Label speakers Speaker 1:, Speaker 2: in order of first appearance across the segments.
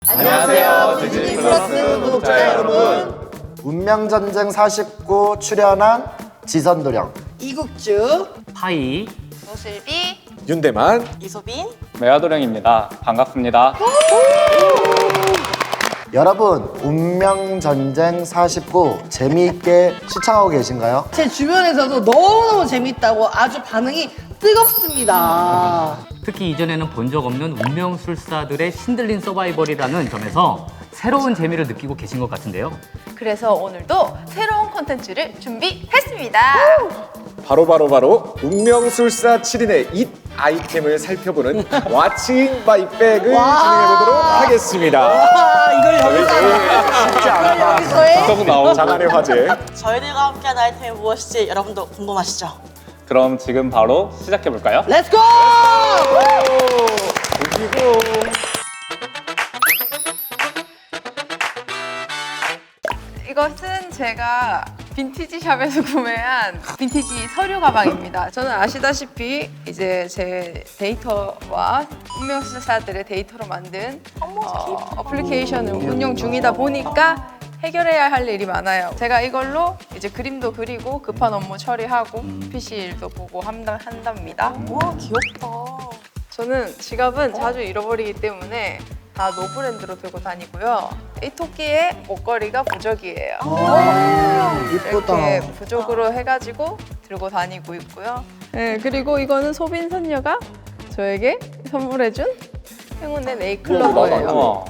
Speaker 1: 안녕하세요, 디즈니 플러스 구독자 여러분.
Speaker 2: 운명전쟁 49 출연한 지선도령,
Speaker 1: 이국주,
Speaker 3: 파이
Speaker 4: 노슬비,
Speaker 5: 윤대만,
Speaker 4: 이소빈.
Speaker 3: 메아도령입니다. 반갑습니다.
Speaker 2: 여러분 운명전쟁 49 재미있게 시청하고 계신가요?
Speaker 1: 제 주변에서도 너무너무 재밌다고 아주 반응이 뜨겁습니다.
Speaker 3: 특히 이전에는 본 적 없는 운명술사들의 신들린 서바이벌이라는 점에서 새로운 재미를 느끼고 계신 것 같은데요.
Speaker 4: 그래서 오늘도 새로운 콘텐츠를 준비했습니다.
Speaker 5: 바로 운명술사 7인의 잇 아이템을 살펴보는 왓칭 바이백을 진행해보도록 하겠습니다.
Speaker 1: 아, 이걸 여기서
Speaker 2: 쉽지 않다.
Speaker 1: 여기서의
Speaker 5: 장안의 화제.
Speaker 6: 저희들과 함께한 아이템이 무엇일지 여러분도 궁금하시죠?
Speaker 3: 그럼 지금 바로 시작해볼까요?
Speaker 1: 렛츠고!
Speaker 4: 이것은 제가 빈티지 샵에서 구매한 빈티지 서류 가방입니다. 저는 아시다시피 이제 제 데이터와 운명술사들의 데이터로 만든 어플리케이션을 운영 중이다 보니까 해결해야 할 일이 많아요. 제가 이걸로 이제 그림도 그리고 급한 업무 처리하고 PC 일도 보고 한답니다.
Speaker 6: 와, 귀엽다.
Speaker 4: 저는 지갑은 자주 잃어버리기 때문에 다 노브랜드로 들고 다니고요. 이 토끼의 목걸이가 부적이에요.
Speaker 2: 이쁘다.
Speaker 4: 이렇게 부적으로 해가지고 들고 다니고 있고요. 네, 그리고 이거는 소빈 선녀가 저에게 선물해준 행운의 네일클로버예요.
Speaker 3: 우와.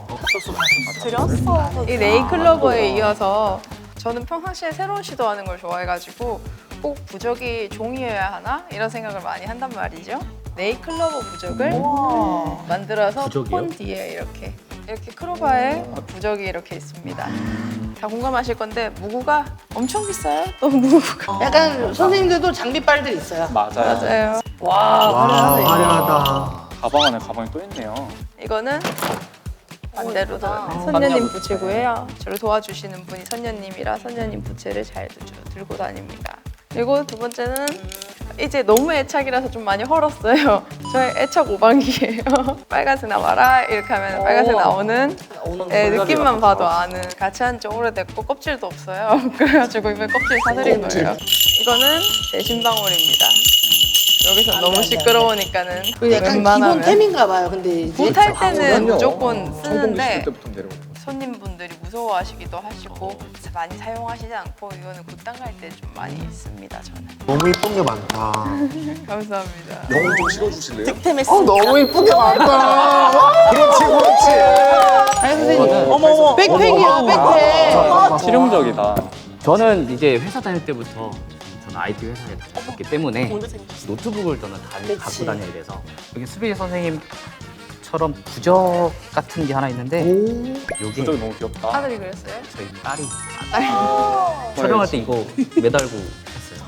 Speaker 6: 드렸어.
Speaker 4: 이 네일클로버에 이어서 저는 평상시에 새로운 시도하는 걸 좋아해가지고 꼭 부적이 종이여야 하나? 이런 생각을 많이 한단 말이죠. 네일클로버 부적을 만들어서
Speaker 3: 부적이요?
Speaker 4: 폰 뒤에 이렇게 크로바에 부적이 이렇게 있습니다. 다 공감하실 건데 무구가 엄청 비싸요. 너무 무구가.
Speaker 1: 약간 선생님들도 장비빨들 있어요.
Speaker 3: 맞아요.
Speaker 4: 맞아요.
Speaker 2: 와, 화려하다.
Speaker 3: 가방 안에 가방이 또 있네요.
Speaker 4: 이거는 반대로
Speaker 1: 예쁘다.
Speaker 4: 선녀님 부채고요. 저를 도와주시는 분이 선녀님이라 선녀님 부채를 잘 들고 다닙니다. 그리고 두 번째는 이제 너무 애착이라서 좀 많이 헐었어요. 저의 애착 오방기예요. 빨간색 나와라 이렇게 하면 빨간색 나오는 네, 느낌만 봐도 아는. 같이 한 지 오래됐고 껍질도 없어요. 그래가지고 이번에 껍질 사드린 거예요. 이거는 제 신방울입니다. 여기서 너무 시끄러우니까는
Speaker 1: 그리고 약간
Speaker 4: 웬만하면
Speaker 1: 기본템인가 봐요. 근데 이제
Speaker 4: 못할 때는
Speaker 5: 그럼요.
Speaker 4: 무조건
Speaker 5: 청동기
Speaker 4: 쓰는데
Speaker 5: 시킬 때부터 내려오는 거.
Speaker 4: 손님분들이 무서워하시기도 하시고 많이 사용하시지 않고 이거는 굿당 갈 때 좀 많이 씁니다. 저는.
Speaker 2: 너무 이쁜 게 많다.
Speaker 4: 감사합니다.
Speaker 5: 영혼 좀 실어주실래요?
Speaker 6: 득템했습니다.
Speaker 2: 너무 이쁜 게 많다.
Speaker 5: 그렇지.
Speaker 1: 아니 선생님
Speaker 6: 어머머.
Speaker 1: 백팩이야 백팩.
Speaker 3: 실용적이다. 저는 이제 회사 다닐 때부터 저는 IT 회사에 다녔기 때문에
Speaker 6: 오늘 재밌었어.
Speaker 3: 노트북을 저는 갖고 다녀야 돼서 여기 수빈이 선생님처럼 부적 같은 게 하나 있는데 여기 부적이 너무 귀엽다.
Speaker 4: 아들이 그랬어요?
Speaker 3: 저희 딸이 촬영할 때 이거 매달고 했어요.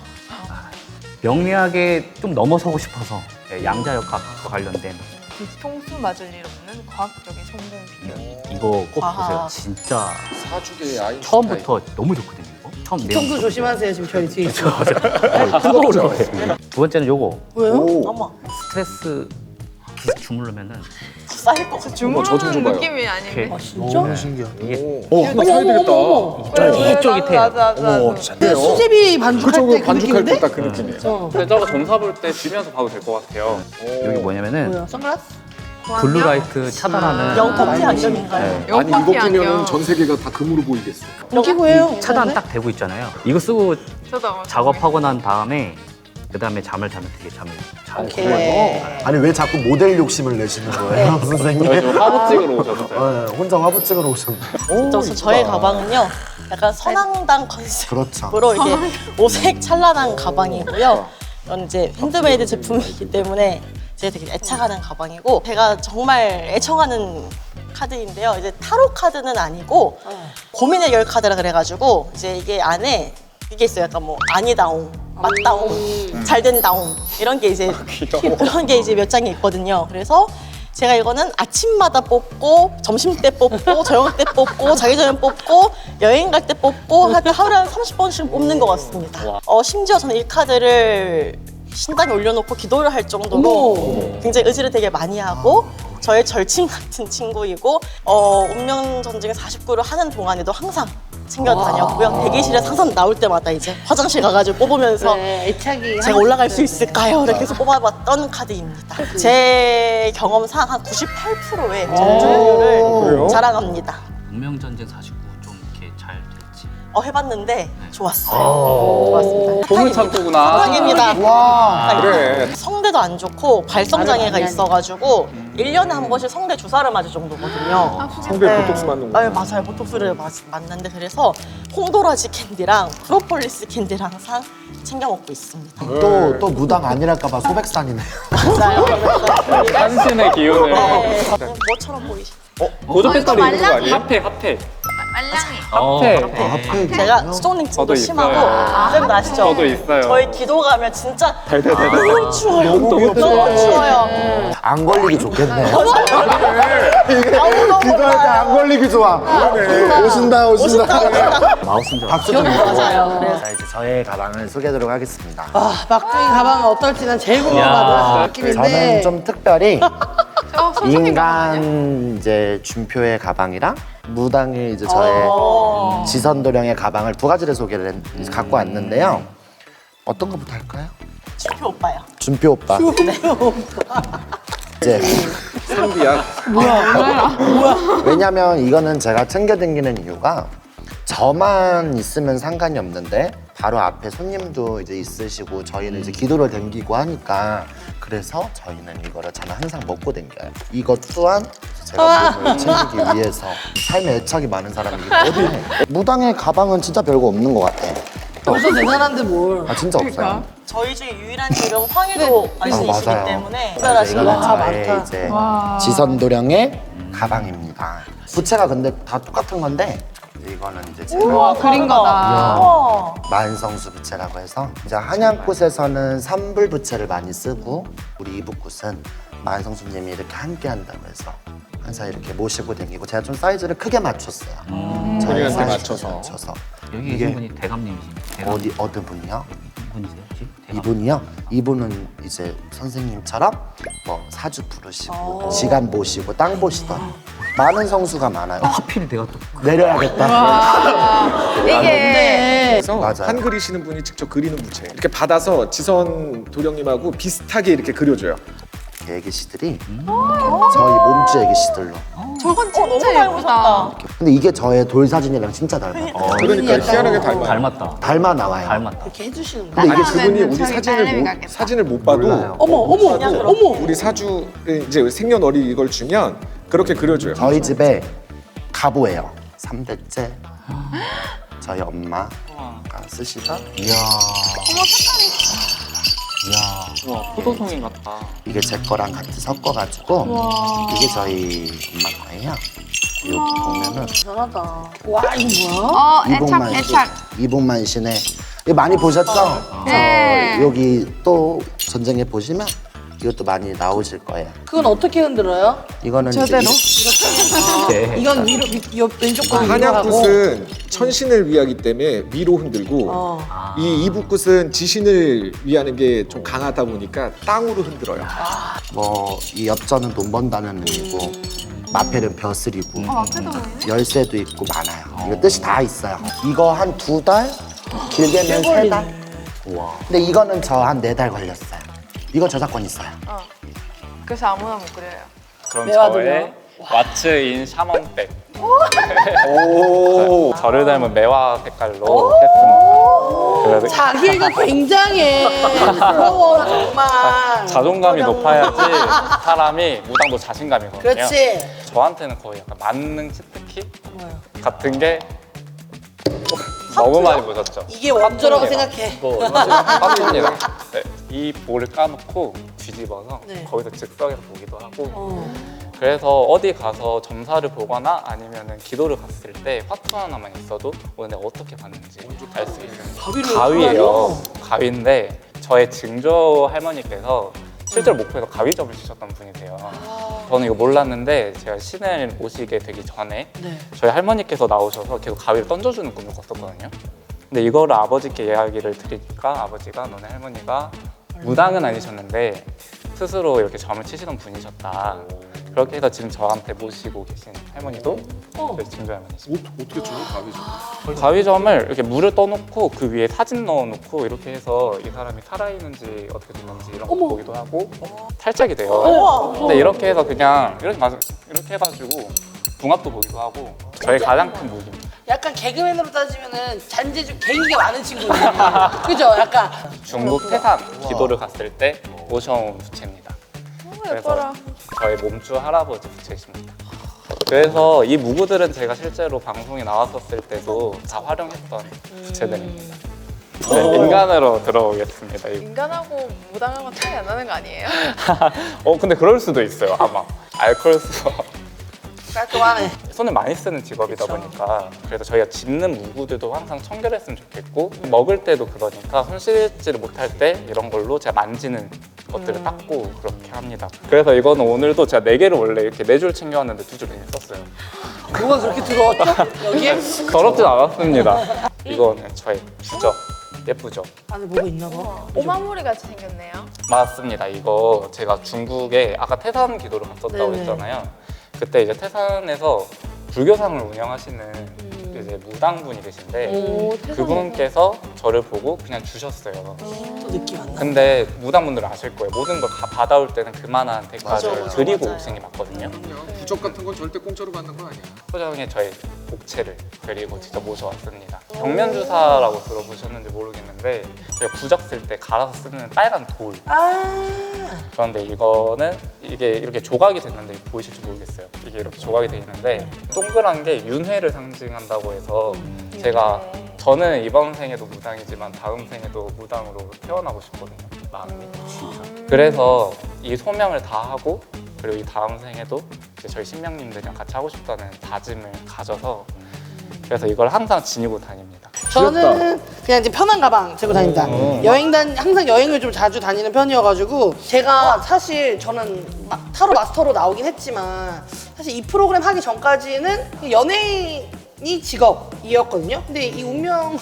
Speaker 3: 명리학에 좀 넘어서고 싶어서 양자역학과 관련된
Speaker 4: 뒤통수 맞을 일 없는 과학적인 성공 비결.
Speaker 3: 이거 꼭
Speaker 6: 아하.
Speaker 3: 보세요. 진짜
Speaker 5: 사주계의 아인슈타인.
Speaker 3: 처음부터 너무 좋거든요. 이거. 처음
Speaker 1: 평소 조심하세요 지금 저희 뒤에 있어.
Speaker 3: 뜨거워져. 두 번째는 요거
Speaker 1: 왜요?
Speaker 6: 어머,
Speaker 3: 스트레스 주물르면은
Speaker 6: 쌓일 것 같아.
Speaker 5: 저좀
Speaker 4: 주무르는
Speaker 5: 줘봐요.
Speaker 4: 느낌이 아닌데.
Speaker 3: 이렇게
Speaker 1: 진짜?
Speaker 2: 너무 신기하다.
Speaker 3: 이게
Speaker 5: 하나 사야 되겠다.
Speaker 3: 쫄깃쫄깃해요.
Speaker 5: 어머,
Speaker 1: 근데 수제비 반죽할
Speaker 5: 그쪽으로
Speaker 1: 때 그
Speaker 5: 반죽할
Speaker 1: 느낌인데?
Speaker 5: 때 딱 그 느낌이에요.
Speaker 3: 근데 저거 점사 볼 때 쥐면서 봐도 될 것 같아요. 여기 뭐냐면은
Speaker 1: 뭐야 선글라스?
Speaker 3: 블루라이트 차단하는
Speaker 6: 영터키 안경인가요?
Speaker 5: 아니 이거
Speaker 4: 영퍼키
Speaker 5: 끼면은
Speaker 4: 안경.
Speaker 5: 전 세계가 다 금으로 보이겠어.
Speaker 1: 끼고 해요.
Speaker 3: 차단 딱 되고 있잖아요. 이거 쓰고
Speaker 4: 저도 아마
Speaker 3: 작업하고 난 다음에 그다음에 잠을 자면 되게 잠을 잘
Speaker 1: 오케이.
Speaker 3: 자요.
Speaker 2: 아니 왜 자꾸 모델 욕심을 내시는 거예요, 선생님?
Speaker 3: 지금 화보 찍으러 오셨어요.
Speaker 2: 네, 혼자 화보 찍으러 오셨네.
Speaker 6: 그래서 저의 가방은요, 약간 선앙당 컨셉으로
Speaker 2: 그렇죠.
Speaker 6: 이렇게 오색 찬란한 가방이고요. 이건 이제 핸드메이드 제품이기 때문에 제가 되게 애착하는 가방이고, 제가 정말 애청하는 카드인데요. 이제 타로 카드는 아니고 고민 해결 카드라 그래가지고 이제 이게 안에 이게 있어요. 약간 뭐 아니다옹, 맞다옹, 잘된다옹 이런 게 이제 그런 게 이제 몇 장이 있거든요. 그래서 제가 이거는 아침마다 뽑고 점심 때 뽑고 저녁 때 뽑고 자기 전에 뽑고 여행 갈 때 뽑고 하여튼 하루에 한 30번씩 뽑는 것 같습니다. 심지어 저는 이 카드를 신당에 올려놓고 기도를 할 정도로 굉장히 의지를 되게 많이 하고 저의 절친 같은 친구이고 운명전쟁 49를 하는 동안에도 항상 챙겨 다녔고요. 대기실에서 항상 나올 때마다 이제 화장실 가가지고 뽑으면서
Speaker 7: 애착이
Speaker 6: 제가 올라갈 수 있을까요? 이렇게 해서 뽑아봤던 카드입니다. 제 경험상 한 98%의 점수율을 자랑합니다.
Speaker 3: 운명전쟁 49 좀 이렇게 잘 됐지.
Speaker 6: 해봤는데 좋았어요. 좋았습니다.
Speaker 5: 보물찾기구나.
Speaker 6: 사랑입니다.
Speaker 2: 와.
Speaker 5: 그래.
Speaker 6: 성대도 안 좋고 발성장애가 있어가지고 1년에 한 번씩 성대 주사를 맞을 정도거든요.
Speaker 5: 성대 보톡스 맞는 거.
Speaker 6: 네, 맞아요. 보톡스를 맞는데 그래서 홍도라지 캔디랑 프로폴리스 캔디를 항상 챙겨 먹고 있습니다.
Speaker 2: 또 무당 아니랄까봐 소백산이네.
Speaker 6: 맞아요.
Speaker 1: 한신의 기운을.
Speaker 6: 네. 뭐처럼 보이시죠?
Speaker 1: 보조 배터리
Speaker 7: 이거
Speaker 1: 있는 거 아니에요?
Speaker 7: 말랑이?
Speaker 1: 핫팩.
Speaker 7: 말랑이.
Speaker 1: 핫팩.
Speaker 6: 제가 스토닝증도
Speaker 1: 저도
Speaker 6: 심하고
Speaker 1: 있어요.
Speaker 6: 쌤 아시죠?
Speaker 1: 저도 있어요.
Speaker 6: 저희 기도 가면 진짜
Speaker 1: 달달달달.
Speaker 6: 너무 추워요. 너무 추워요.
Speaker 2: 안 걸리기 좋겠네.
Speaker 6: 너무
Speaker 2: 기도할 때 안 걸리기 좋아. 오신다.
Speaker 3: 마우스인 줄 알았어.
Speaker 2: 박수 좀 주고.
Speaker 6: 맞아요.
Speaker 2: 자, 이제 저의 가방을 소개하도록 하겠습니다.
Speaker 7: 막둥이 가방은 어떨지 난 제일 궁금하다 느낌인데
Speaker 2: 저는 좀 특별히
Speaker 4: 선생님 가방 아니야?
Speaker 2: 인간 이제 준표의 가방이랑 무당의 이제 저의 지선도령의 가방을 두 가지를 갖고 왔는데요. 어떤 거부터 할까요?
Speaker 6: 준표 오빠요.
Speaker 2: 준표 오빠. 이제
Speaker 5: 상비야.
Speaker 2: 왜냐면 이거는 제가 챙겨 다니는 이유가 저만 있으면 상관이 없는데 바로 앞에 손님도 이제 있으시고 저희는 이제 기도를 댕기고 하니까 그래서 저희는 이거를 저는 항상 먹고 댕겨요. 이것 또한 제가 몸을 챙기기 위해서 삶에 애착이 많은 사람이기 때문에 무당의 가방은 진짜 별거 없는 것 같아.
Speaker 7: 벌써 대단한데 뭘
Speaker 2: 아 진짜 없어요.
Speaker 6: 저희 중에 유일한 지금 황해도 말씀이시기
Speaker 2: 맞아요.
Speaker 6: 때문에
Speaker 2: 그래서
Speaker 6: 특별하신
Speaker 2: 이거는
Speaker 6: 것
Speaker 2: 저의
Speaker 7: 많다.
Speaker 2: 이제 지선도령의 가방입니다. 부채가 근데 다 똑같은 건데 이거는 이제 제가
Speaker 4: 그린 거다.
Speaker 6: 우와.
Speaker 2: 만성수 부채라고 해서 이제 한양꽃에서는 삼불 부채를 많이 쓰고 우리 이북꽃은 만성수님이 이렇게 함께 한다고 해서 항상 이렇게 모시고 다니고 제가 좀 사이즈를 크게 맞췄어요. 저희
Speaker 5: 본인한테
Speaker 2: 사이즈에
Speaker 5: 맞춰서.
Speaker 3: 여기
Speaker 2: 이게-
Speaker 3: 계신 분이 대감님이십니다.
Speaker 2: 어느 분이요?
Speaker 3: 분이세요 혹시? 대감.
Speaker 2: 이분이요? 이분은 이제 선생님처럼 뭐 사주 부르시고 지간 보시고 땅 보시던 많은 성수가 많아요.
Speaker 3: 하필 내가 또
Speaker 2: 내려야겠다.
Speaker 4: 이게
Speaker 5: 그래서
Speaker 2: 맞아요.
Speaker 5: 한 그리시는 분이 직접 그리는 부채. 이렇게 받아서 지선 도령님하고 비슷하게 이렇게 그려줘요.
Speaker 2: 애기씨들이 저희 몸주 애기씨들로.
Speaker 4: 저건
Speaker 6: 너무
Speaker 4: 진짜
Speaker 6: 닮으셨다.
Speaker 4: 예쁘다.
Speaker 2: 근데 이게 저의 돌 사진이랑 진짜 닮아요.
Speaker 5: 그러니까 희한하게 닮아요.
Speaker 3: 닮았다.
Speaker 2: 닮아 나와요.
Speaker 3: 닮았다.
Speaker 7: 이렇게 해주시는 거야.
Speaker 2: 근데 이게
Speaker 5: 아니 그분이 우리
Speaker 4: 저기
Speaker 5: 사진을
Speaker 4: 딸내미
Speaker 5: 못
Speaker 4: 같겠다.
Speaker 5: 사진을 못 봐도
Speaker 2: 몰라요.
Speaker 7: 어머
Speaker 5: 우리 사주를 이제 생년월일 이걸 주면 그렇게 그려줘요.
Speaker 2: 저희 집에 가보예요. 3대째 저희 엄마가 쓰시던 이야
Speaker 1: 와, 포도송이 같다.
Speaker 2: 이게 제 거랑 같이 섞어가지고 이게 저희 엄마 거예요. 여기 보면은
Speaker 7: 대단하다. 와 이거 뭐야?
Speaker 2: 이북만 이북만신의 이거 많이 보셨죠?
Speaker 4: 네.
Speaker 2: 여기 또 전쟁에 보시면 이것도 많이 나오실 거예요.
Speaker 7: 그건 어떻게 흔들어요?
Speaker 2: 이거는
Speaker 4: 저대로?
Speaker 3: 네.
Speaker 7: 이건 위로 왼쪽 거는 위로 하고
Speaker 5: 한약굿은 천신을 위하기 때문에 위로 흔들고 이 이북굿은 지신을 위하는 게 좀 강하다 보니까 땅으로 흔들어요.
Speaker 2: 뭐 이 엽전은 돈 번다는 의미고 마펠은 벼슬이고
Speaker 4: 앞에도 보이네.
Speaker 2: 열쇠도 있고 많아요. 이거 뜻이 다 있어요. 이거 한 2달? 길게는 3달?
Speaker 3: 우와.
Speaker 2: 근데 이거는 저 한 4달 걸렸어요. 이거 저작권 있어요.
Speaker 4: 그래서 아무나 못 그려요.
Speaker 1: 그럼
Speaker 7: 매화도요?
Speaker 1: 저의 왓츠인 샤먼백.
Speaker 5: 오.
Speaker 1: 저를 닮은 매화 색깔로 했습니다. 그래서
Speaker 7: 자기가 굉장해. 부러워 정말.
Speaker 1: 자존감이 높아야지 사람이 무당도 자신감이거든요.
Speaker 7: 그렇지.
Speaker 1: 저한테는 거의 약간 만능 치트키 같은 게 너무 많이 보셨죠?
Speaker 7: 이게 원조라고
Speaker 1: 파tun이랑
Speaker 7: 생각해.
Speaker 1: 뭐 파tun이랑 네, 이 볼을 까놓고 뒤집어서
Speaker 7: 네.
Speaker 1: 거기서 즉석에서 보기도 하고 그래서 어디 가서 점사를 보거나 아니면은 기도를 갔을 때 화투 하나만 있어도 오늘 내가 어떻게 봤는지 알 수 있어요. 가위예요. 가위인데 저의 증조 할머니께서 실제로 목포에서 가위점을 치셨던 분이세요. 저는 이거 몰랐는데 제가 신을 오시게 되기 전에
Speaker 7: 네.
Speaker 1: 저희 할머니께서 나오셔서 계속 가위를 던져주는 꿈을 꿨었거든요. 근데 이거를 아버지께 이야기를 드리니까 아버지가 너네 할머니가 무당은 아니셨는데 스스로 이렇게 점을 치시던 분이셨다. 그렇게 해서 지금 저한테 모시고 계신 할머니도 저희 증조 할머니십니다.
Speaker 5: 어떻게 줘요, 가위죠?
Speaker 1: 가위점을 이렇게 물을 떠놓고 그 위에 사진 넣어놓고 이렇게 해서 이 사람이 살아있는지 어떻게 됐는지 이런 거 보기도 하고 탈착이 돼요. 근데 이렇게 해서 그냥 이렇게 해가지고 궁합도 보기도 하고 저희 가장 큰 무기입니다.
Speaker 7: 약간 개그맨으로 따지면은 잔재주 개인기가 많은 친구들. 그죠? 약간.
Speaker 1: 중국 태산 기도를 갔을 때 모셔온 부채입니다.
Speaker 4: 예뻐라.
Speaker 1: 저희 몸주 할아버지 부채십니다. 그래서 이 무구들은 제가 실제로 방송에 나왔었을 때도 다 활용했던 부채들입니다. 네, 인간으로 들어오겠습니다. 이거.
Speaker 4: 인간하고 무당하고 차이 안 나는 거 아니에요?
Speaker 1: 근데 그럴 수도 있어요. 아마 알코올 수어
Speaker 7: 깔끔하네.
Speaker 1: 손을 많이 쓰는 직업이다 보니까 그래서 저희가 짚는 무구들도 항상 청결했으면 좋겠고 먹을 때도 그러니까 손 씻지를 못할 때 이런 걸로 제가 만지는 것들을 닦고 그렇게 합니다. 그래서 이거는 오늘도 제가 4개를 원래 이렇게 4줄 챙겨왔는데 2줄을 이미 썼어요.
Speaker 7: 뭐가 그렇게 들어왔죠? 여기에?
Speaker 1: 더럽진 않았습니다. 이거는 저의 부적. 예쁘죠?
Speaker 7: 안에 뭐가 있나 봐.
Speaker 4: 오마무리 같이 생겼네요.
Speaker 1: 맞습니다. 이거 제가 중국에 아까 태산 기도를 갔었다고
Speaker 7: 네네.
Speaker 1: 했잖아요. 그때 이제 태산에서 불교상을 운영하시는 이제 무당분이 계신데
Speaker 4: 오,
Speaker 1: 그분께서 저를 보고 그냥 주셨어요.
Speaker 7: 또 느낌 안 나.
Speaker 1: 근데 무당분들은 아실 거예요. 모든 걸 다 받아올 때는 그만한 대가를
Speaker 7: 맞아,
Speaker 1: 드리고
Speaker 7: 맞아요.
Speaker 1: 오시는 게 맞거든요.
Speaker 5: 부적 같은 건 절대 공짜로 받는 거 아니야.
Speaker 1: 소정의 저의 복채를 그리고 직접 모셔왔습니다. 경면주사라고 들어보셨는지 모르겠는데 저희가 부적 쓸 때 갈아서 쓰는 빨간 돌. 그런데 이거는 이게 이렇게 조각이 됐는데 보이실지 모르겠어요. 이게 이렇게 조각이 돼 있는데 동그란 게 윤회를 상징한다고 해서 제가 저는 이번 생에도 무당이지만 다음 생에도 무당으로 태어나고 싶거든요. 마음이. 그래서 이 소명을 다 하고 그리고 이 다음 생에도 이제 저희 신명님들이랑 같이 하고 싶다는 다짐을 가져서 그래서 이걸 항상 지니고 다닙니다.
Speaker 7: 저는 그냥 이제 편한 가방 들고 다닙니다. 항상 여행을 좀 자주 다니는 편이어가지고 제가 사실 저는 타로 마스터로 나오긴 했지만 사실 이 프로그램 하기 전까지는 연예인이 직업이었거든요. 근데 이 운명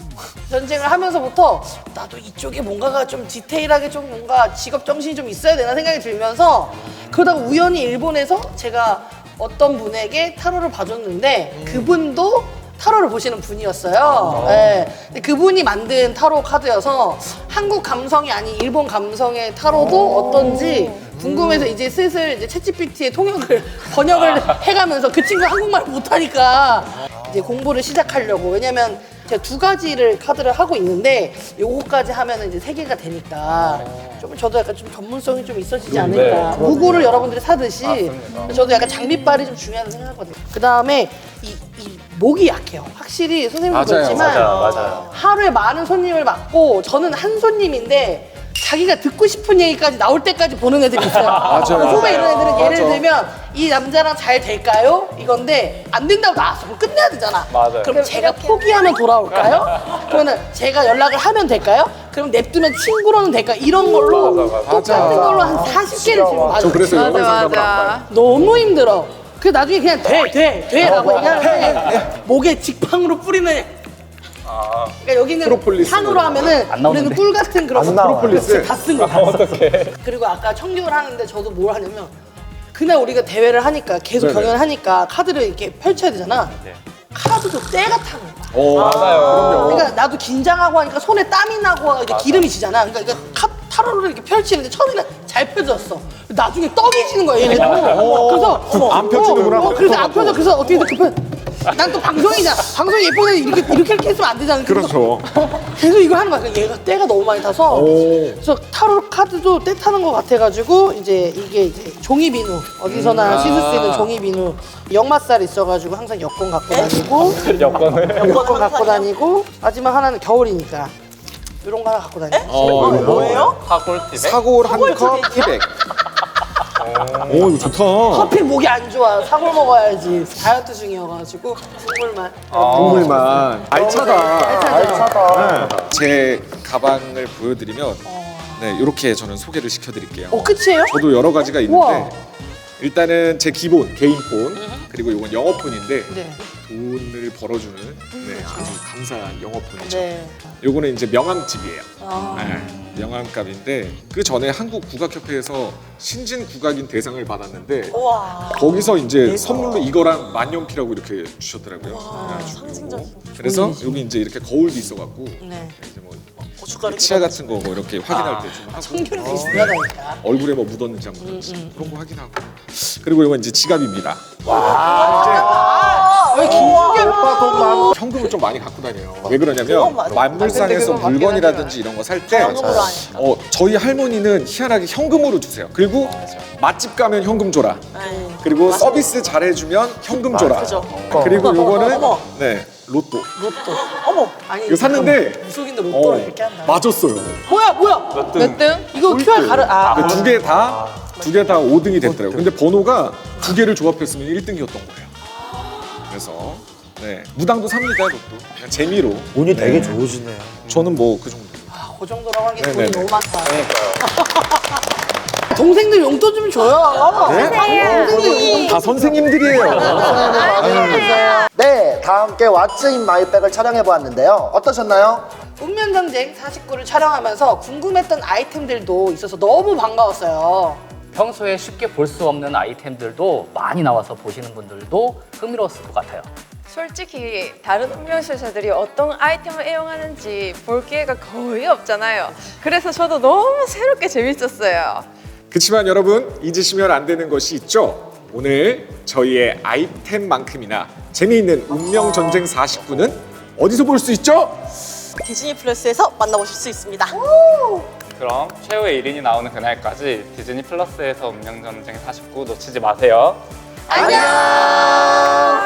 Speaker 7: 전쟁을 하면서부터 나도 이쪽에 뭔가가 좀 디테일하게 좀 뭔가 직업 정신이 좀 있어야 되나 생각이 들면서 그러다가 우연히 일본에서 제가 어떤 분에게 타로를 봐줬는데 그분도 타로를 보시는 분이었어요. 네. 근데 그분이 만든 타로 카드여서 한국 감성이 아닌 일본 감성의 타로도 어떤지 궁금해서 이제 슬슬 이제 챗GPT에 번역을 해가면서 그 친구가 한국말을 못하니까 이제 공부를 시작하려고. 왜냐면 제가 2가지를 카드를 하고 있는데 요거까지 하면 이제 3개가 되니까 좀 저도 약간 좀 전문성이 좀 있어지지 않을까. 무구를 여러분들이 사듯이
Speaker 1: 맞습니다.
Speaker 7: 저도 약간 장비빨이 좀 중요하다고 생각하거든요. 그 다음에 이 목이 약해요. 확실히 선생님도
Speaker 5: 맞아요.
Speaker 7: 그렇지만
Speaker 1: 맞아요.
Speaker 7: 하루에 많은 손님을 맡고 저는 한 손님인데 자기가 듣고 싶은 얘기까지 나올 때까지 보는 애들이 있어요.
Speaker 5: 맞아요.
Speaker 7: 후배 이런 애들은 예를
Speaker 5: 맞아.
Speaker 7: 들면 이 남자랑 잘 될까요? 이건데 안 된다고 나왔어. 그럼 끝내야 되잖아.
Speaker 1: 맞아요.
Speaker 7: 그럼 제가 포기하면 돌아올까요? 그러면 제가 연락을 하면 될까요? 그럼 냅두면 친구로는 될까요? 이런 걸로
Speaker 1: 맞아.
Speaker 7: 똑같은 걸로 한 40개를 지금
Speaker 5: 저
Speaker 7: 봐요.
Speaker 5: 그래서 연관 상담을 안 봐요.
Speaker 4: 맞아.
Speaker 7: 너무 힘들어. 그 나중에 그냥 돼라고 얘기하는데 목에 직방으로 뿌리는. 그러니까 여기는
Speaker 5: 프로폴리스
Speaker 7: 산으로 하면은
Speaker 3: 안 나오는데?
Speaker 7: 우리는 꿀 같은 그런
Speaker 5: 프로폴리스.
Speaker 7: 다 쓴 거. 그리고 아까 청교를 하는데 저도 뭘 하냐면 그날 우리가 대회를 하니까 계속
Speaker 5: 네네.
Speaker 7: 경연을 하니까 카드를 이렇게 펼쳐야 되잖아.
Speaker 1: 네.
Speaker 7: 카드도 때가 타는 거야.
Speaker 1: 맞아요.
Speaker 7: 그러니까 나도 긴장하고 하니까 손에 땀이 나고 이게 기름이 지잖아. 그러니까 이거 타로를 이렇게 펼치는데 처음에는 잘 펴졌어. 나중에 떡이 지는 거야 얘네들. 그래서
Speaker 5: 안 펴지는구나.
Speaker 7: 그래서 안 펴져. 그래서 어떻게 난 또 방송이잖아. 방송 예쁜데 이렇게 했으면 안 되잖아.
Speaker 5: 그렇죠.
Speaker 7: 계속 이걸 하는 거야. 그러니까 얘가 때가 너무 많이 타서. 그래서 타로 카드도 때 타는 것 같아가지고 이제 이게 이제 종이 비누 어디서나 씻을 수 있는 종이 비누 역마살 있어가지고 항상 여권 갖고 다니고 여권 갖고 다니고 마지막 하나는 겨울이니까 이런 거 하나 갖고 다니고.
Speaker 5: 뭐예요?
Speaker 1: 사골팁에
Speaker 5: 사골 한 컵 티백. 오 이거 좋다.
Speaker 7: 하필 목이 안 좋아. 사골 먹어야지. 다이어트 중이어가지고 국물만.
Speaker 5: 국물만. 알차다. 네. 제 가방을 보여드리면 네 이렇게 저는 소개를 시켜드릴게요.
Speaker 7: 끝이에요?
Speaker 5: 저도 여러 가지가 있는데
Speaker 7: 우와.
Speaker 5: 일단은 제 기본 개인 폰 그리고 이건 영어폰인데
Speaker 7: 네.
Speaker 5: 돈을 벌어주는 아주 감사한 영어폰이죠.
Speaker 7: 네.
Speaker 5: 요거는 이제 명함집이에요.
Speaker 7: 아.
Speaker 5: 네, 명함값인데 그 전에 한국국악협회에서 신진 국악인 대상을 받았는데
Speaker 6: 우와.
Speaker 5: 거기서 이제 선물로 이거랑 만년필하고 이렇게 주셨더라고요.
Speaker 6: 와,
Speaker 5: 그래가지고
Speaker 6: 상징적인.
Speaker 5: 그래서 여기 이제 이렇게 거울도 있어갖고
Speaker 7: 네.
Speaker 5: 이제 뭐
Speaker 6: 고춧가루
Speaker 5: 치아 같은 거 뭐 이렇게 확인할 때 좀 하고
Speaker 7: 청결이 되게 중요하다니까.
Speaker 5: 얼굴에 뭐 묻었는지 안 묻었는지 그런 거 확인하고 그리고 이건 이제 지갑입니다.
Speaker 7: 왜 김준결
Speaker 5: 현금을 좀 많이 갖고 다녀요. 왜 그러냐면
Speaker 6: 맞아.
Speaker 5: 만물상에서
Speaker 4: 그건 맞긴
Speaker 5: 물건이라든지 이런 거 살 때
Speaker 6: 현금으로 하니까.
Speaker 5: 저희 할머니는 희한하게 현금으로 주세요. 그리고 맛집 가면 현금 줘라.
Speaker 6: 네.
Speaker 5: 그리고 서비스 잘해주면 현금 줘라.
Speaker 6: 그죠.
Speaker 5: 그리고 요거는
Speaker 6: 어머.
Speaker 5: 로또.
Speaker 6: 로또. 어머.
Speaker 7: 아니
Speaker 5: 이거 샀는데
Speaker 7: 무속인데 로또를 이렇게 한다.
Speaker 5: 맞았어요.
Speaker 7: 뭐야?
Speaker 4: 몇 등?
Speaker 7: 이거 QR 가르
Speaker 5: 두 개 다 5등이 됐더라고요. 근데 번호가 두 개를 조합했으면 1등이었던 거예요. 그래서 무당도 삽니다, 로또. 그냥 재미로.
Speaker 2: 운이 되게 좋으시네요.
Speaker 5: 저는 뭐 그 정도.
Speaker 7: 그 정도라고 하기엔 돈이
Speaker 5: 네네네.
Speaker 7: 너무 많다. 동생들 용돈 좀 줘요. 동생들
Speaker 5: 다 선생님들이에요.
Speaker 2: 네, 다 함께 왓츠 인 마이백을 촬영해 보았는데요. 어떠셨나요?
Speaker 7: 운명전쟁 49를 촬영하면서 궁금했던 아이템들도 있어서 너무 반가웠어요.
Speaker 3: 평소에 쉽게 볼 수 없는 아이템들도 많이 나와서 보시는 분들도 흥미로웠을 것 같아요.
Speaker 4: 솔직히 다른 운명술사들이 어떤 아이템을 애용하는지 볼 기회가 거의 없잖아요. 그래서 저도 너무 새롭게 재밌었어요.
Speaker 5: 그렇지만 여러분 잊으시면 안 되는 것이 있죠. 오늘 저희의 아이템만큼이나 재미있는 운명전쟁 49는 어디서 볼 수 있죠?
Speaker 6: 디즈니 플러스에서 만나보실 수 있습니다.
Speaker 1: 그럼 최후의 1인이 나오는 그날까지 디즈니 플러스에서 운명전쟁 49 놓치지 마세요.
Speaker 6: 안녕.